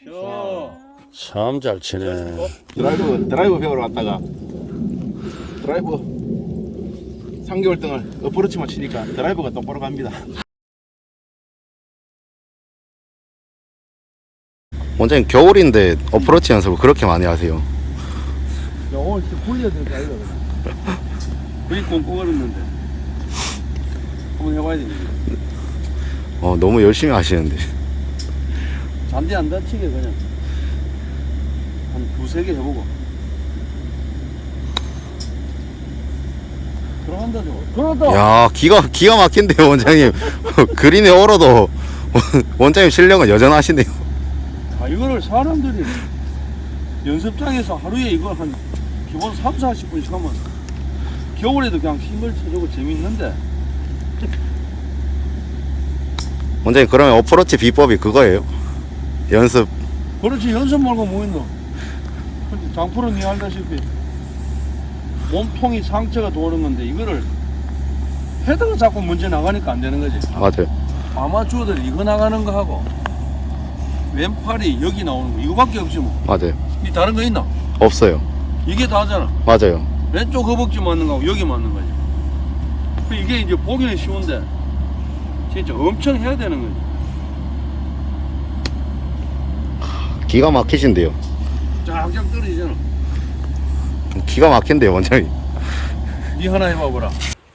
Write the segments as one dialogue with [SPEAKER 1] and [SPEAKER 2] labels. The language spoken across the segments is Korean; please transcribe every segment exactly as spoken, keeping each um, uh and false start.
[SPEAKER 1] 참 잘 치네.
[SPEAKER 2] 드라이브 드라이브 배우러 왔다가 드라이브 삼 개월 동안 어프로치만 치니까 드라이브가 똑바로 갑니다.
[SPEAKER 3] 원장님 겨울인데 어프로치 연습을 그렇게 많이 하세요?
[SPEAKER 2] 야, 오늘 진짜 굴려야 될거 아니야?
[SPEAKER 1] 거의 꽁꽁 얼었는데 한번 해봐야 되겠네.
[SPEAKER 3] 어 너무 열심히 하시는데.
[SPEAKER 1] 잔디 안 다치게 그냥 한 두세 개 해보고 들어간다 저거. 들어갔다.
[SPEAKER 3] 야 기가 기가 막힌데요 원장님. 그린에 얼어도 원장님 실력은 여전하시네요.
[SPEAKER 1] 아 이거를 사람들이 연습장에서 하루에 이걸 한 기본 삼, 사십 분씩 하면 겨울에도 그냥 힘을 쳐주고 재밌는데.
[SPEAKER 3] 원장님 그러면 어프로치 비법이 그거예요? 연습.
[SPEAKER 1] 그렇지 연습 말고 뭐 있노. 근데 장프로 니 알다시피 몸통이 상체가 도는 건데 이거를 헤드가 자꾸 문제 나가니까 안 되는 거지.
[SPEAKER 3] 맞아요.
[SPEAKER 1] 아마추어들 이거 나가는 거 하고 왼팔이 여기 나오는 거 이거밖에 없지 뭐.
[SPEAKER 3] 맞아요.
[SPEAKER 1] 이 다른 거 있나?
[SPEAKER 3] 없어요.
[SPEAKER 1] 이게 다잖아.
[SPEAKER 3] 맞아요.
[SPEAKER 1] 왼쪽 허벅지 맞는 거하고 여기 맞는 거지. 그 이게 이제 보기는 쉬운데 진짜 엄청 해야 되는 거지.
[SPEAKER 3] 기가 막히신데요.
[SPEAKER 1] 쫙쫙 떨어지잖아.
[SPEAKER 3] 기가 막힌데요 원장님.
[SPEAKER 1] 니 하나 해봐보라.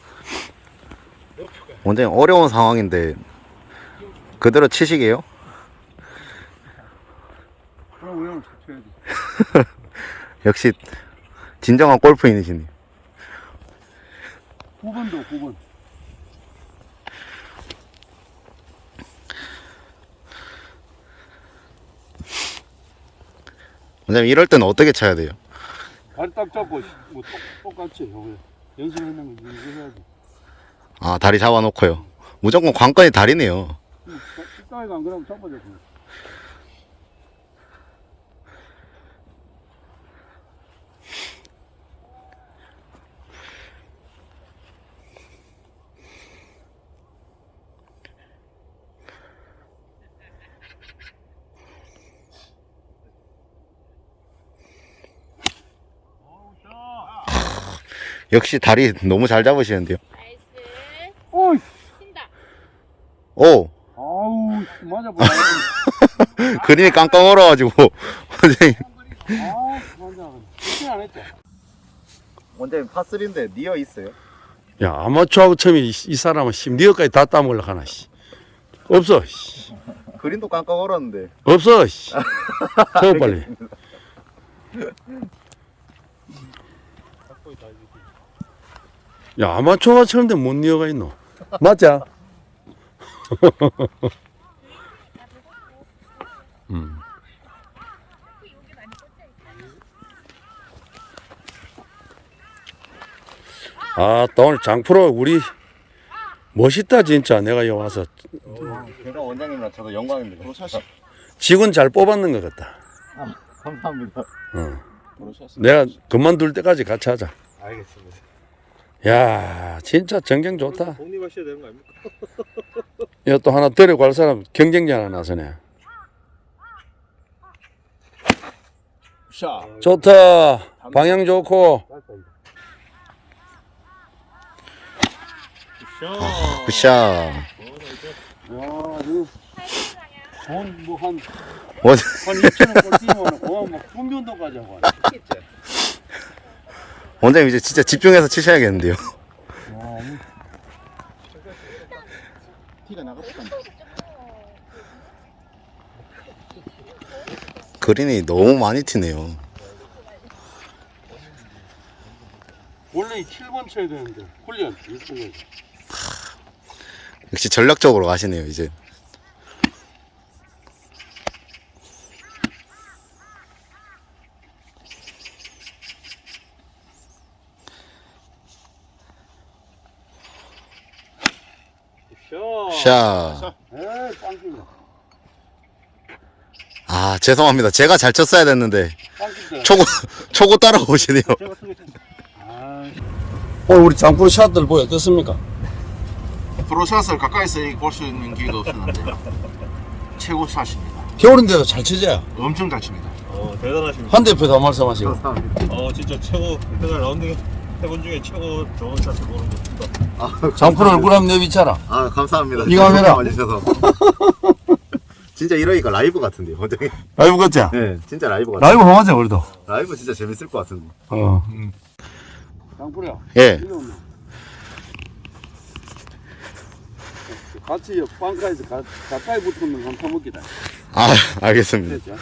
[SPEAKER 3] 원장님 어려운 상황인데 그대로 치시게요?
[SPEAKER 1] 그럼 우리는 쳐야지.
[SPEAKER 3] 역시 진정한 골프인이시네.
[SPEAKER 1] 구 번도 구 번.
[SPEAKER 3] 원장님 이럴 때는 어떻게 쳐야 돼요?
[SPEAKER 1] 다리 딱 잡고 뭐 똑, 똑같이 해. 연습했는 거 연습해야지.
[SPEAKER 3] 아 다리 잡아놓고요. 무조건 관건이 다리네요.
[SPEAKER 1] 식당에 안 그러면 잡아줘.
[SPEAKER 3] 역시 다리 너무 잘 잡으시는데요.
[SPEAKER 4] 나이스.
[SPEAKER 1] 오이.
[SPEAKER 4] 튄다.
[SPEAKER 3] 오
[SPEAKER 1] 아우 맞아보라.
[SPEAKER 3] 그림이 깡깡 얼어가지고 원장님.
[SPEAKER 1] 아 맞아. 그렇게 안 했죠.
[SPEAKER 3] 원장님 파쓰리인데 니어 있어요?
[SPEAKER 5] 야 아마추어하고 처음에 이, 이 사람은 심리어까지 다 따먹으려고 하나 씨. 없어 씨.
[SPEAKER 3] 그림도 깡깡 얼었는데.
[SPEAKER 5] 없어 씨. 저 빨리. 야 아마추어가 처음인데 못 니어가 있노. 맞자. 음. 아, 또 오늘 장프로 우리 멋있다 진짜. 내가 여기 와서
[SPEAKER 3] 제가 원장님이랑 저도 영광입니다.
[SPEAKER 5] 직원 잘 뽑았는 것 같다.
[SPEAKER 3] 아, 감사합니다.
[SPEAKER 5] 어. 내가 그만둘 때까지 같이 하자.
[SPEAKER 2] 알겠습니다.
[SPEAKER 5] 야, 진짜 전경 좋다.
[SPEAKER 2] 독립하셔야 되는 거 아닙니까?
[SPEAKER 5] 이거 또 하나 데리고 갈 사람 경쟁자 하나 나서네.
[SPEAKER 2] 샤.
[SPEAKER 5] 좋다. 방향 좋고.
[SPEAKER 3] 아, 굿샷.
[SPEAKER 1] 야, 이거 돈뭐한
[SPEAKER 3] 원,
[SPEAKER 1] 한 이천 원 꼴찌면 그만 막 분변도까지 하고 하네.
[SPEAKER 3] 원장님 이제 진짜 집중해서 치셔야겠는데요.
[SPEAKER 2] 티가 나갔다.
[SPEAKER 3] 그린이 너무 많이 튀네요.
[SPEAKER 1] 원래 칠 번 쳐야 되는데 훈련 육 번.
[SPEAKER 3] 역시 전략적으로 가시네요 이제. 샷.
[SPEAKER 1] 에이 빵집이다.
[SPEAKER 3] 아 죄송합니다. 제가 잘 쳤어야 됐는데
[SPEAKER 1] 빵집이다.
[SPEAKER 3] 초고 초고 따라오시네요.
[SPEAKER 1] 제가 쓰겠습니다. 아,
[SPEAKER 5] 오늘 우리 장프로 샷들 보여 어떻습니까?
[SPEAKER 2] 프로샷을 가까이서 볼 수 있는 기회가 없었는데 최고 샷입니다.
[SPEAKER 5] 겨울인데도 잘 치자.
[SPEAKER 2] 엄청 잘 칩니다.
[SPEAKER 4] 어, 대단하십니다.
[SPEAKER 5] 한 대표 더 말씀하시고.
[SPEAKER 4] 어, 진짜 최고, 이때까지 라운딩 해본 중에 최고 좋은 샷을 보는 것 같습니다.
[SPEAKER 5] 장프로 얼굴 한번 내비쳐라.
[SPEAKER 3] 아 감사합니다.
[SPEAKER 5] 이거 하면은-
[SPEAKER 3] 와주셔서. 진짜 이러니까 라이브 같은데요, 원장님.
[SPEAKER 5] 라이브 같지?
[SPEAKER 3] 네, 진짜 라이브 같아.
[SPEAKER 5] 라이브 한번 하자, 우리도.
[SPEAKER 3] 라이브 진짜 재밌을 것 같은데.
[SPEAKER 5] 어.
[SPEAKER 1] 장프로야.
[SPEAKER 3] 예.
[SPEAKER 1] 이거 뭐. 같이 옆 방가에서 가, 가까이 붙으면 한 타먹기다.
[SPEAKER 3] 아, 알겠습니다.
[SPEAKER 1] 됐죠?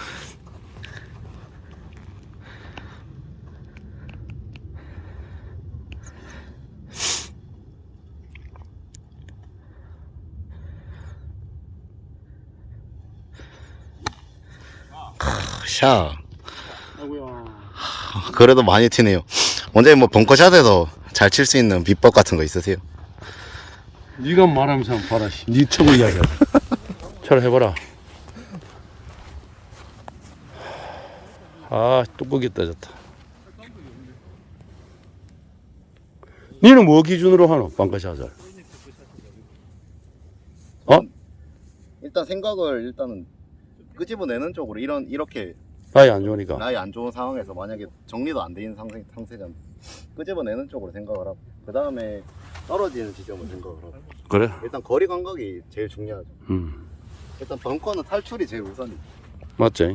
[SPEAKER 3] 샤.
[SPEAKER 1] 아이고야.
[SPEAKER 3] 그래도 많이 튀네요. 원장님 뭐 벙커샷에서 잘 칠 수 있는 비법 같은 거 있으세요?
[SPEAKER 5] 네가 말하면서 한번 봐라. 씨. 네 최고 이야기야. 잘 해봐라. 아, 뚜껑이 떠졌다. 니는 뭐 기준으로 하노? 방카샷을. 어?
[SPEAKER 3] 일단 생각을 일단은 끄집어내는 쪽으로 이런 이렇게
[SPEAKER 5] 라이 안 좋으니까.
[SPEAKER 3] 라이 안 좋은 상황에서 만약에 정리도 안 돼 있는 상태, 상태면 끄집어내는 쪽으로 생각을 하고 그 다음에 떨어지는 지점을 생각을 하고
[SPEAKER 5] 그래?
[SPEAKER 3] 일단 거리 감각이 제일 중요하죠.
[SPEAKER 5] 음.
[SPEAKER 3] 일단 벙커는 탈출이 제일 우선이죠.
[SPEAKER 5] 맞지?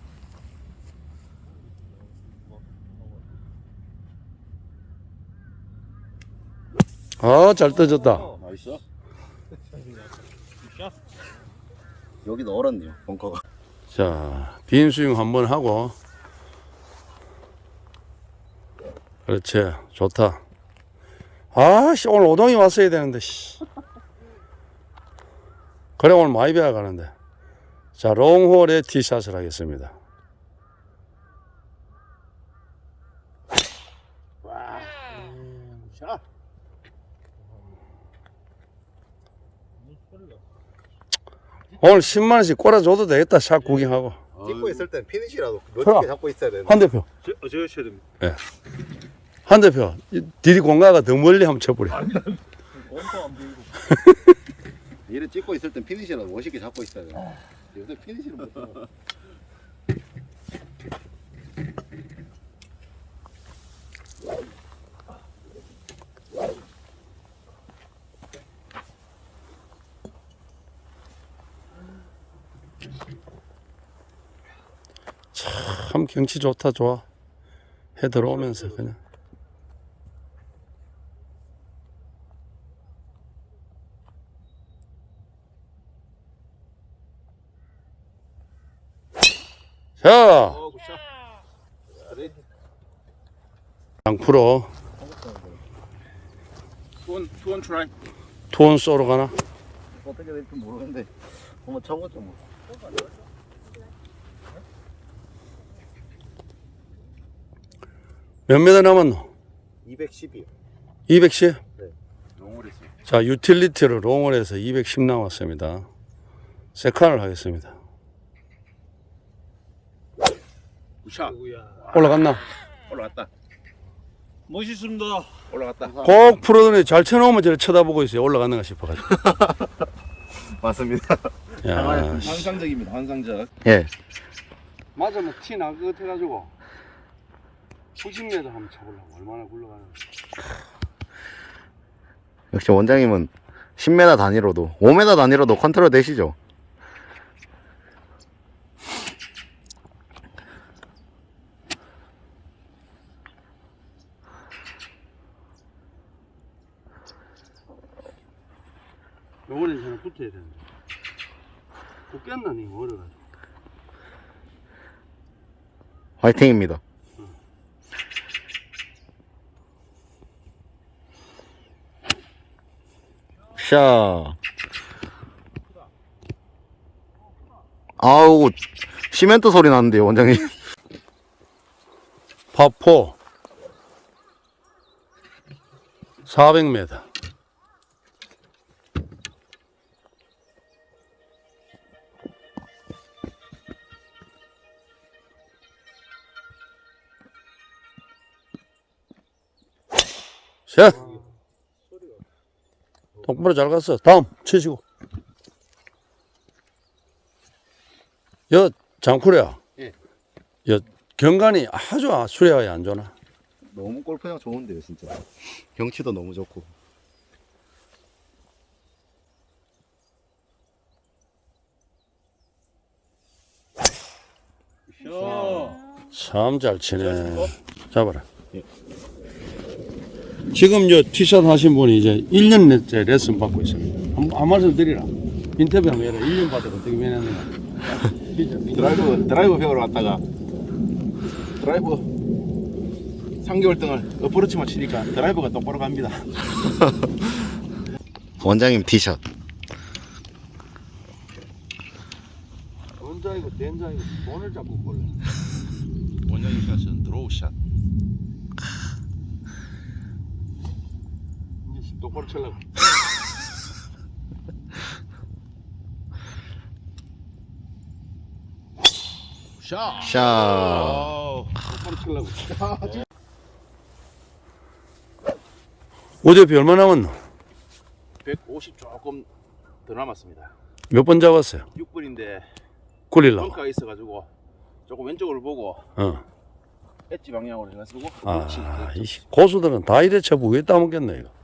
[SPEAKER 5] 아, 잘 떠졌다.
[SPEAKER 3] 나이스. 여기도 얼었네요, 벙커가.
[SPEAKER 5] 자, 빈 스윙 한번 하고. 그렇지. 좋다. 아, 씨, 오늘 오동이 왔어야 되는데, 씨. 그래, 오늘 많이 배워가는데. 자, 롱홀에 티샷을 하겠습니다. 오늘 십만 원씩 꼬라줘도 되겠다. 샷 구경하고.
[SPEAKER 3] 찍고 있을 땐 피니시라도
[SPEAKER 5] 그럼.
[SPEAKER 3] 멋지게 잡고 있어야 되는데.
[SPEAKER 5] 한 대표.
[SPEAKER 4] 제, 어, 제가 쳐야 됩니다.
[SPEAKER 5] 한 대표. 이 디리 공가가 더 멀리 한번 쳐버려.
[SPEAKER 4] 엄청 안 보이고.
[SPEAKER 3] 얘를 찍고 있을 땐 피니시라도 멋있게 잡고 있어야 돼. 요새 피니시를 못 잡아.
[SPEAKER 5] 참 경치 좋다, 좋아. 해 들어오면서 그냥. 자, 양프로
[SPEAKER 2] 투원 투원 트라이.
[SPEAKER 5] 투원 쏘러 가나?
[SPEAKER 3] 어떻게 될지 모르는데 한번 쳐보죠 뭐.
[SPEAKER 5] 몇 메다 남았노?
[SPEAKER 3] 이백십이요.
[SPEAKER 5] 이백십?
[SPEAKER 3] 롱홀 있어요.
[SPEAKER 5] 자, 유틸리티로 롱을 해서 이백십 남았습니다. 세컨을 하겠습니다.
[SPEAKER 2] 샷.
[SPEAKER 5] 올라갔나?
[SPEAKER 3] 올라갔다.
[SPEAKER 4] 멋있습니다.
[SPEAKER 2] 올라갔다.
[SPEAKER 5] 꼭 프로들이 잘 쳐놓으면 저를 쳐다보고 있어요. 올라갔는가 싶어가지고.
[SPEAKER 3] 맞습니다.
[SPEAKER 5] 야, 씨.
[SPEAKER 2] 환상적입니다. 환상적.
[SPEAKER 3] 예.
[SPEAKER 1] 맞으면 티 날 것 같아가지고 구십 미터 한번 쳐보려고. 얼마나 굴러가는지.
[SPEAKER 3] 역시 원장님은 십 미터 단위로도 오 미터 단위로도 컨트롤 되시죠?
[SPEAKER 1] 요번엔 저는 붙어야 되는데. 붙겠나, 니 어려가지고.
[SPEAKER 3] 화이팅입니다. 샤. 아우, 시멘트 소리 나는데요, 원장님.
[SPEAKER 5] 파포 사백 미터. 자, 똑바로 잘 갔어. 다음 치시고. 여 장쿠래야.
[SPEAKER 3] 예.
[SPEAKER 5] 여 경관이 아주 수려하게 안 좋나?
[SPEAKER 3] 너무 골프장 좋은데요, 진짜. 경치도 너무 좋고.
[SPEAKER 5] 참 잘 치네. 잡아라.
[SPEAKER 3] 예.
[SPEAKER 5] 지금 저 티샷 하신 분이 이제 일 년째 레슨 받고 있습니다. 한, 한 말씀 드리라. 인터뷰 한번 해라. 일 년 받아 어떻게 변했는가.
[SPEAKER 2] 드라이브 드라이브 배우러 왔다가 드라이브 삼 개월 동안 어프로치만 치니까 드라이브가 똑바로 갑니다.
[SPEAKER 3] 원장님 티샷.
[SPEAKER 5] 원자이고 된자이고 돈을 잡고 볼래.
[SPEAKER 2] 원장님 샷은 드로우 샷.
[SPEAKER 5] 이제 똑바로 치려고.
[SPEAKER 2] 샷.
[SPEAKER 3] 샷.
[SPEAKER 2] 오.
[SPEAKER 5] 똑바로 치려고. 오대표 얼마 남았노?
[SPEAKER 2] 백오십 조금 더 남았습니다.
[SPEAKER 5] 몇 번 잡았어요?
[SPEAKER 2] 육 분인데
[SPEAKER 5] 굴리려고.
[SPEAKER 2] 벙커가 있어가지고 조금 왼쪽을 보고
[SPEAKER 5] 어.
[SPEAKER 2] 엣지 방향으로 해가지고
[SPEAKER 5] 아,
[SPEAKER 2] 그렇지.
[SPEAKER 5] 이 고수들은 다 이래 쳐보 왜 따먹겠네 이거.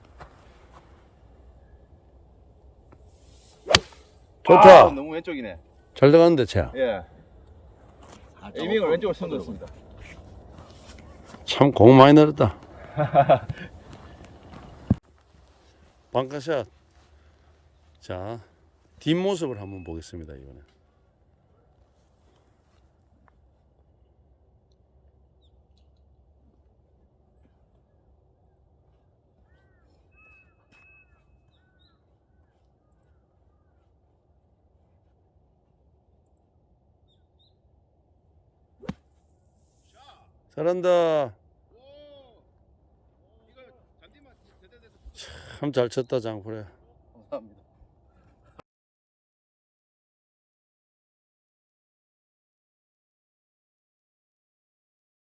[SPEAKER 5] 좋다.
[SPEAKER 2] 아, 너무 왼쪽이네.
[SPEAKER 5] 잘 들어갔는데 채야.
[SPEAKER 2] 예. 에이밍을 왼쪽으로 선들었습니다.
[SPEAKER 5] 참 공 많이 늘었다. 방카샷. 자, 뒷모습을 한번 보겠습니다 이번에. 잘한다. 참 잘 쳤다 장쿠래.